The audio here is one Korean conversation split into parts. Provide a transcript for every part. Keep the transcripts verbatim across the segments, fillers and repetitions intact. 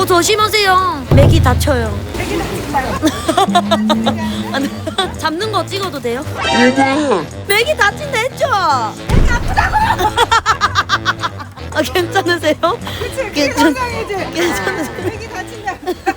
어 조심하세요. 맥이 다쳐요. 맥이 다친다요. 잡는 거 찍어도 돼요? 맥이 다친다 했죠? 맥이 아프다고. 아 괜찮으세요? 그치, 그게 괜찮- 건강이지. 괜찮으세요? 아, 맥이 다친다.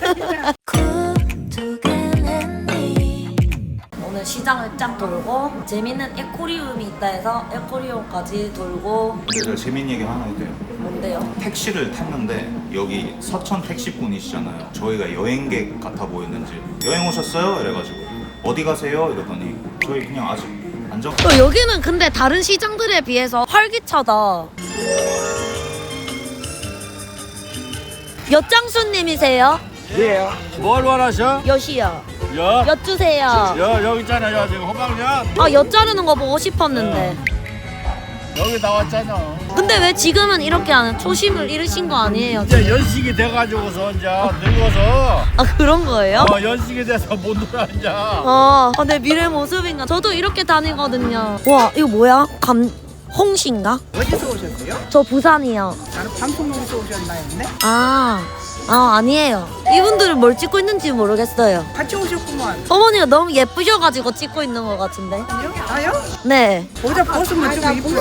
오늘 시장을 쫙 돌고 재밌는 에코리움이 있다 해서 에코리움까지 돌고. 제가 재밌는 얘기 하나 해도 돼요? 뭔데요? 택시를 탔는데 여기 서천 택시분이시잖아요. 저희가 여행객 같아 보였는지 여행 오셨어요? 이래가지고 어디 가세요? 이러더니 저희 그냥 아직 안정. 어, 여기는 근데 다른 시장들에 비해서 활기차다. 엿장수님이세요? 예. 뭘 원하셔? 엿이요. 여. 엿 주세요. 여 여기 있잖아. 여 지금 호박엿. 아, 엿 자르는 거 보고 싶었는데. 여기 나왔잖아. 근데 왜 지금은 이렇게 하는 초심을 잃으신 거 아니에요? 이제 연식이 돼가지고서 이제 늙어서 아, 그런 거예요? 어, 연식이 돼서 못 놀아 이제. 어, 아, 내 미래 모습인가? 저도 이렇게 다니거든요. 와, 이거 뭐야? 감, 홍시인가? 어디서 오셨어요? 저 부산이요. 나는 방송국에서 오셨나요? 네? 아, 아, 아니에요. 이분들은 뭘 찍고 있는지 모르겠어요. 같이 오셨구만. 어머니가 너무 예쁘셔가지고 찍고 있는 것 같은데. 아요? 네. 모자 벗으면 좀 이쁘요.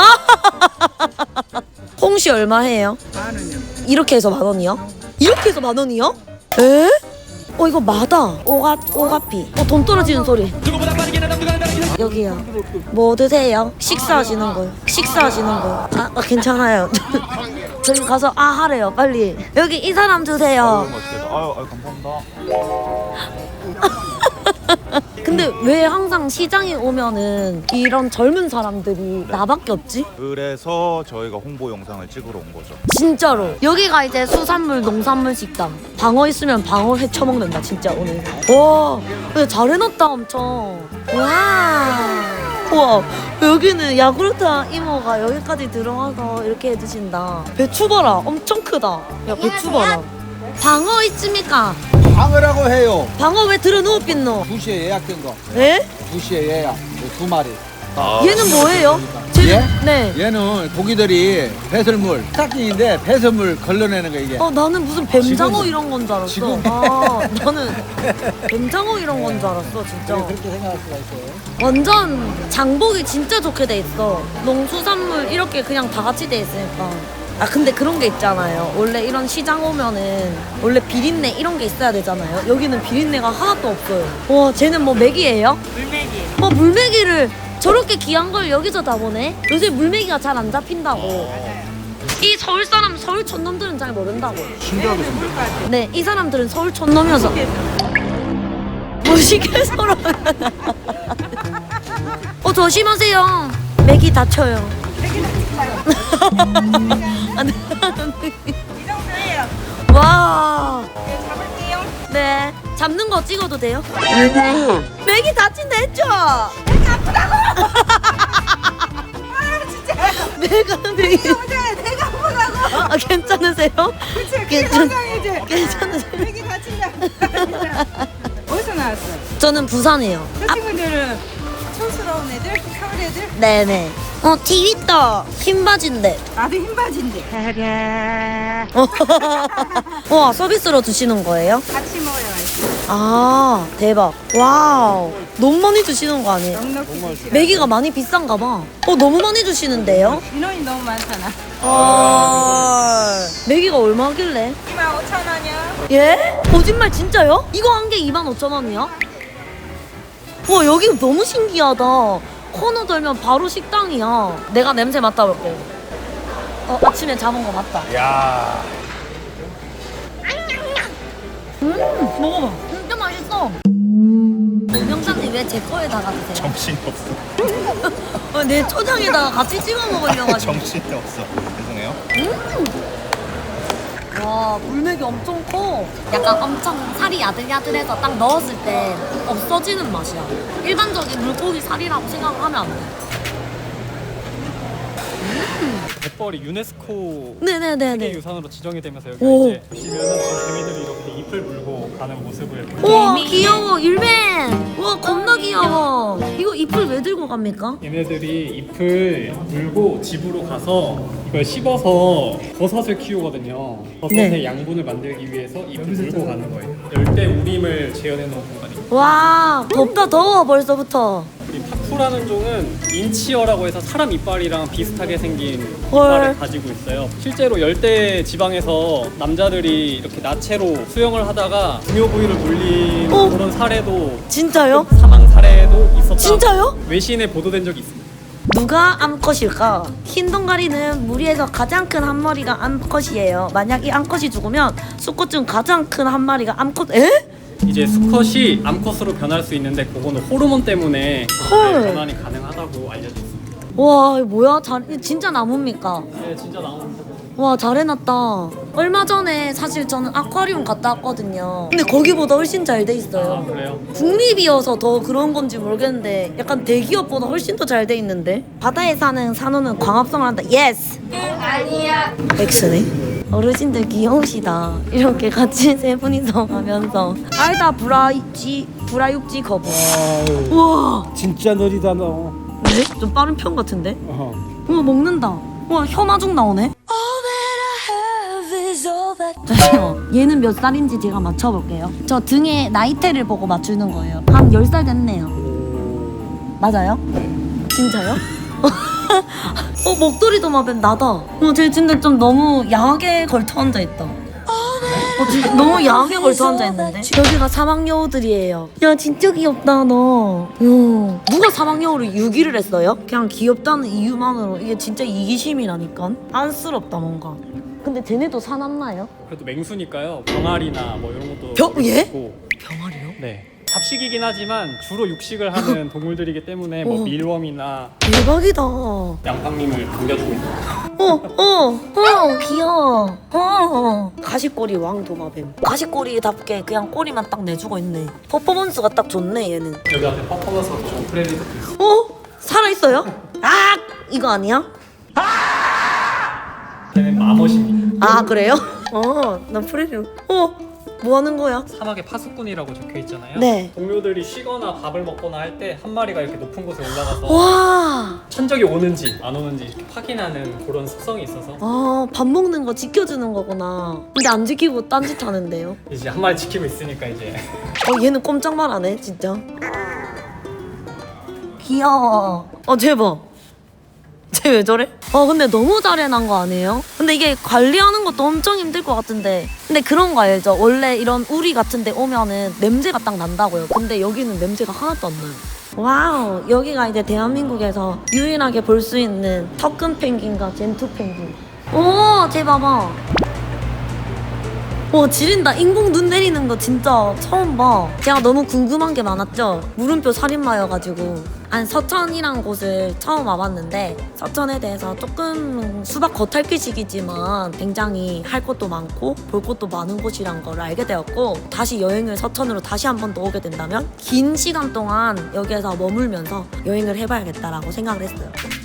홍시 얼마 해요? 만 원이요. 이렇게 해서 만 원이요? 이렇게 해서 만 원이요? 에? 어 이거 마다. 오가 오가피. 어 돈 떨어지는 소리. 여기요. 뭐 드세요? 식사하시는 거요. 식사하시는 거요. 아, 아 괜찮아요. 저기 가서 아 하래요 빨리. 여기 이 사람 드세요. 아유, 아유 감사합니다. 근데 왜 항상 시장에 오면은 이런 젊은 사람들이 나밖에 없지? 그래서 저희가 홍보 영상을 찍으러 온 거죠. 진짜로 여기가 이제 수산물 농산물 식당. 방어 있으면 방어 회 처먹는다 진짜 오늘. 와 근데 잘 해놨다 엄청. 와 우와 여기는 야구르트 이모가 여기까지 들어와서 이렇게 해주신다. 배추 봐라 엄청 크다. 야 배추 봐라. 방어 있습니까? 방어라고 해요. 방어 왜 들어 누웠겠노? 두 시에 예약된 거. 에? 두 시에 예약. 두 마리. 얘는 뭐예요? 쟤는- 얘? 네. 얘는 고기들이 배설물, 스타킹인데 배설물 걸러내는 거 이게. 어 나는 무슨 뱀장어 지금- 이런 건 줄 알았어. 지금- 아 나는 뱀장어 이런 건 줄 알았어 진짜. 네, 그렇게 생각할 수가 있어요. 완전 장복이 진짜 좋게 돼 있어. 농수산물 이렇게 그냥 다 같이 돼 있으니까. 아 근데 그런 게 있잖아요. 원래 이런 시장 오면은 원래 비린내 이런 게 있어야 되잖아요. 여기는 비린내가 하나도 없어요. 와 쟤는 뭐 맥이에요? 물맥이. 뭐 물메기를 저렇게 귀한 걸 여기서 다 보네? 요새 물메기가 잘 안 잡힌다고. 이 서울 사람 서울 촌놈들은 잘 모른다고. 신기하게 생겼네. 네, 이 사람들은 서울 촌놈이어서 무식해서로. 어 조심하세요. 맥이 다쳐요. 맥이 다친다요. 안 돼. 이 정도예요. 와. 네, 잡을게요. 네. 잡는 거 찍어도 돼요? 맥이 다친다 했죠? 맥이 아프다고. 아 진짜. 내가 맥이. 모자에 내가 아프다고. 아 괜찮으세요? 그치, 그게 괜찮- 건강이지. 괜찮으세요? 맥이 다친다. 어디서 나왔어요? 저는 부산이에요. 저 친구들은 촌스러운 애들, 서울 애들. 네네. 어 티윗다. 흰 바지인데. 나도 흰 바지인데. 와 서비스로 주시는 거예요? 같이 먹어야 맛있어. 아 대박. 와우. 너무 많이 주시는 거 아니에요? 넉넉히 드시라. 메기가 많이 비싼가 봐. 어 너무 많이 주시는데요? 인원이 너무 많잖아. 아 메기가 얼마길래? 이만 오천 원이요. 예? 거짓말 진짜요? 이거 한 개 이만 오천 원이요? 와 여기 너무 신기하다. 코너 돌면 바로 식당이야. 내가 냄새 맡아볼게. 어 아침에 잡은 거 맞다. 야. 음 먹어봐. 진짜 맛있어. 명장님 왜 제 거에다가 드세요? 정신이 없어. 어, 내 초장에다가 같이 찍어 먹으려고 하지. 정신이 없어. 죄송해요. 와 물맥이 엄청 커. 약간 엄청 살이 야들야들해서 딱 넣었을 때 없어지는 맛이야. 일반적인 물고기 살이라고 생각하면 안 돼. 갯벌이 유네스코 네네네네. 세계유산으로 지정이 되면서 여기 오. 이제 보시면은 지금 개미들이 이렇게 잎을 잎을 물고 가는 모습을 우와 귀여워 율맨. 우와 겁나 귀여워. 이거 잎을 왜 들고 갑니까? 얘네들이 잎을 물고 집으로 가서 이걸 씹어서 버섯을 키우거든요. 버섯의 네. 양분을 만들기 위해서 잎을 물고 가는 거예요. 열대 우림을 재현해 놓은 공간이에요. 와 덥다 더워 벌써부터. 이 파쿠라는 종은 인치어라고 해서 사람 이빨이랑 비슷하게 생긴 헐. 이빨을 가지고 있어요. 실제로 열대 지방에서 남자들이 이렇게 나체로 수영을 하다가 중요 부위를 물린 어? 그런 사례도 진짜요? 사망 사례도 있었다. 진짜요? 외신에 보도된 적이 있습니다. 누가 암컷일까? 흰 동가리는 무리에서 가장 큰 한 마리가 암컷이에요. 만약 이 암컷이 죽으면 수컷 중 가장 큰 한 마리가 암컷. 에? 이제 수컷이 암컷으로 변할 수 있는데 그거는 호르몬 때문에 헐. 변환이 가능하다고 알려져 있습니다. 와 이거 뭐야? 잘 이거 진짜 나무입니까? 네, 진짜 나옵니다. 와 잘해놨다. 얼마 전에 사실 저는 아쿠아리움 갔다 왔거든요. 근데 거기보다 훨씬 잘 돼 아, 있어요. 그래요? 국립이어서 더 그런 건지 모르겠는데 약간 대기업보다 훨씬 더 잘 돼 있는데. 바다에 사는 산호는 광합성을 한다. 예스. 아니야. 엑스네. 어르신들 귀여우시다. 이렇게 같이 세 분이서 가면서 알다 브라이지 브라육지 거부. 우와. 진짜 느리다 너. 네? 좀 빠른 편 같은데? 어. 우와 먹는다. 우와 혀마중 나오네. 잠시만 얘는 몇 살인지 제가 맞춰볼게요. 저 등에 나이테를 보고 맞추는 거예요. 한 열 살 됐네요. 맞아요? 진짜요? 어 목도리도 마뱀 나다. 어, 쟤 진짜 좀 너무 야하게 걸터 앉아 있다. 어, 진짜 너무 야하게 걸터 앉아 있는데. 여기가 사막여우들이에요. 야 진짜 귀엽다 너. 어, 누가 사막여우를 유기를 했어요? 그냥 귀엽다는 이유만으로 이게 진짜 이기심이라니까. 안쓰럽다 뭔가. 근데 쟤네도 사납나요? 그래도 맹수니까요. 병아리나 뭐 이런 것도 병- 먹을 수 예? 있고. 병아리요? 네. 잡식이긴 하지만 주로 육식을 하는 동물들이기 때문에 뭐 어. 밀웜이나 대박이다. 어, 양팡님을 반겨주고 있는 어, 어, 귀여워. 어, 가시꼬리 왕도마뱀. 가시꼬리답게 그냥 꼬리만 딱 내주고 있네. 퍼포먼스가 딱 좋네 얘는. 여기 앞에 퍼포먼스가 좀 프레리도 있어요. 어? 살아있어요? 아! 이거 아니야? 걔는 마멋입니다. 아 그래요? 어, 나 프레리. 어, 뭐 하는 거야? 사막에 파수꾼이라고 적혀 있잖아요. 네. 동료들이 쉬거나 밥을 먹거나 할 때 한 마리가 이렇게 높은 곳에 올라가서 와, 천적이 오는지 안 오는지 이렇게 확인하는 그런 습성이 있어서 아, 밥 먹는 거 지켜주는 거구나. 근데 안 지키고 딴짓 하는데요? 이제 한 마리 지키고 있으니까 이제 어, 얘는 꼼짝말 안 해, 진짜. 귀여워. 어, 대박. 쟤 왜 저래? 어 근데 너무 잘해난 거 아니에요? 근데 이게 관리하는 것도 엄청 힘들 것 같은데. 근데 그런 거 알죠? 원래 이런 우리 같은 데 오면은 냄새가 딱 난다고요. 근데 여기는 냄새가 하나도 안 나요. 와우, 여기가 이제 대한민국에서 유일하게 볼 수 있는 턱근 펭귄과 젠투 펭귄. 오, 쟤 봐봐. 와, 지린다. 인공 눈 내리는 거 진짜 처음 봐. 제가 너무 궁금한 게 많았죠? 물음표 살인마여가지고. 안 서천이란 곳을 처음 와봤는데 서천에 대해서 조금 수박 겉핥기식이지만 굉장히 할 것도 많고 볼 것도 많은 곳이란 걸 알게 되었고, 다시 여행을 서천으로 다시 한 번 더 오게 된다면 긴 시간 동안 여기에서 머물면서 여행을 해봐야겠다라고 생각을 했어요.